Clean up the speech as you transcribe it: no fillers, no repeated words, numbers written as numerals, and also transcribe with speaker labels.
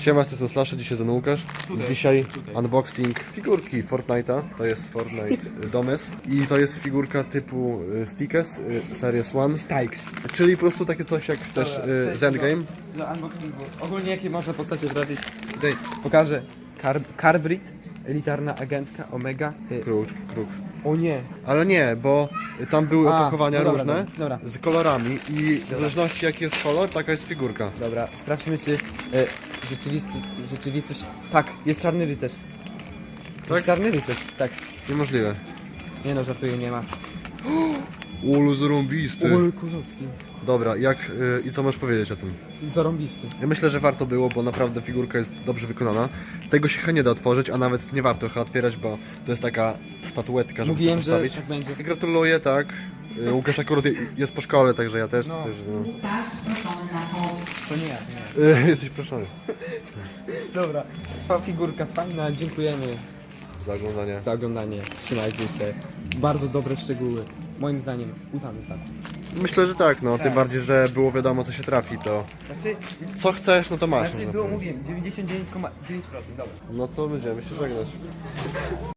Speaker 1: Siema, z Slash, dzisiaj ze mną Łukasz. Dzisiaj
Speaker 2: tutaj.
Speaker 1: unboxing figurki Fortnite'a. To jest Fortnite Domes i to jest figurka typu Stickers Series 1.
Speaker 2: Stikes.
Speaker 1: Czyli po prostu takie coś jak też z Endgame.
Speaker 2: Do unboxingu. Ogólnie jakie można postacie trafić? Tutaj pokażę. Carbrid, elitarna agentka, Omega.
Speaker 1: Kruk.
Speaker 2: O nie.
Speaker 1: Ale nie, bo tam były opakowania
Speaker 2: no dobra,
Speaker 1: różne
Speaker 2: dobra.
Speaker 1: z kolorami i w zależności jaki jest kolor, taka jest figurka.
Speaker 2: Dobra, sprawdźmy czy rzeczywistość... Tak, jest czarny rycerz.
Speaker 1: Tak?
Speaker 2: Jest czarny rycerz, tak.
Speaker 1: Niemożliwe.
Speaker 2: Nie no, żartuję, nie ma.
Speaker 1: Ulu zarąbisty.
Speaker 2: Ul Kozowski.
Speaker 1: Dobra, i co możesz powiedzieć o tym?
Speaker 2: Zarąbisty.
Speaker 1: Ja myślę, że warto było, bo naprawdę figurka jest dobrze wykonana. Tego się chyba nie da otworzyć, a nawet nie warto chyba otwierać, bo to jest taka statuetka, żeby
Speaker 2: Mówiłem,
Speaker 1: sobie
Speaker 2: że
Speaker 1: postawić.
Speaker 2: tak będzie.
Speaker 1: Gratuluję, tak. Łukasz akurat jest po szkole, także ja też.
Speaker 2: No.
Speaker 1: też
Speaker 3: Łukasz, proszony na pomoc.
Speaker 2: To nie ja, nie.
Speaker 1: Jesteś proszony
Speaker 2: Dobra, figurka fajna, dziękujemy
Speaker 1: za oglądanie.
Speaker 2: za oglądanie. Trzymajcie się. Bardzo dobre szczegóły. Moim zdaniem udany zakup.
Speaker 1: Myślę, że tak, no. Tym
Speaker 2: Tak.
Speaker 1: bardziej, że było wiadomo, co się trafi, to
Speaker 2: Znaczy,
Speaker 1: co chcesz, no to masz.
Speaker 2: było,
Speaker 1: no.
Speaker 2: mówiłem, 99,9%, dobra.
Speaker 1: No to będziemy się żegnać.